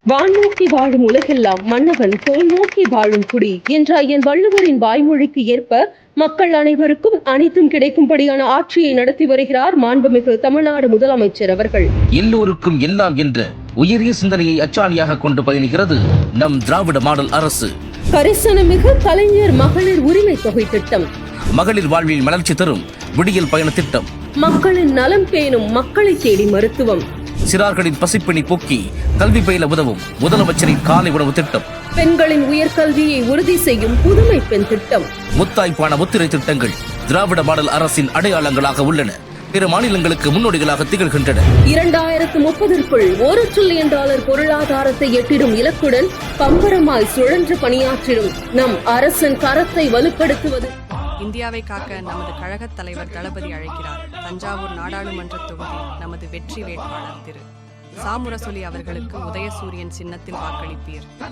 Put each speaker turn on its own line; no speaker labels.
வான்நோக்கி வாழும் உலகெல்லாம் மன்னவன் தோல் நோக்கி வாழும் குடி என்ற என் வள்ளுவரின் வாய்மொழிக்கு ஏற்ப மக்கள் அனைவருக்கும் அனைத்தும் கிடைக்கும்படியான ஆட்சியை நடத்தி வருகிறார் மாண்புமிகு தமிழ்நாடு முதலமைச்சர் அவர்கள்.
எல்லோருக்கும் எல்லாம் என்ற உயரிய சிந்தனையை அச்சாணியாக கொண்டு பயணிக்கிறது நம் திராவிட மாடல் அரசு.
கரிசனமிகு கலைஞர் மகளிர் உரிமை தொகை திட்டம்,
மகளிர் வாழ்வில் மலர்ச்சி தரும் விடியல் பயண திட்டம்,
மக்களின் நலம் பேணும் மக்களை தேடி மருத்துவம்,
சிறார்களின் பசிப்பிணி போக்கி கல்வி பயில உதவும் முதலமைச்சரின் காலை உணவு திட்டம்,
பெண்களின் உயர்கல்வியை உறுதி செய்யும் புதுமை பெண் திட்டம்,
முத்தாய்ப்பான முத்திரை திட்டங்கள் திராவிட மாடல் அரசின் அடையாளங்களாக உள்ளன. பிற மாநிலங்களுக்கு முன்னோடிகளாக திகழ்கின்றன.
2030ற்குள் $1 டிரில்லியன் பொருளாதாரத்தை எட்டிடும் இலக்குடன் பம்பரமாய் சுழன்று பணியாற்றிடும் நம் அரசின் கரத்தை வலுப்படுத்துவது.
இந்தியாவை காக்க நமது கழகத் தலைவர் தளபதி அழைக்கிறார். தஞ்சாவூர் நாடாளுமன்ற தொகுதி நமது வெற்றி வேட்பாளர் திரு சா. முரசொலி அவர்களுக்கு உதயசூரியன் சின்னத்தில் வாக்களிப்பீர்.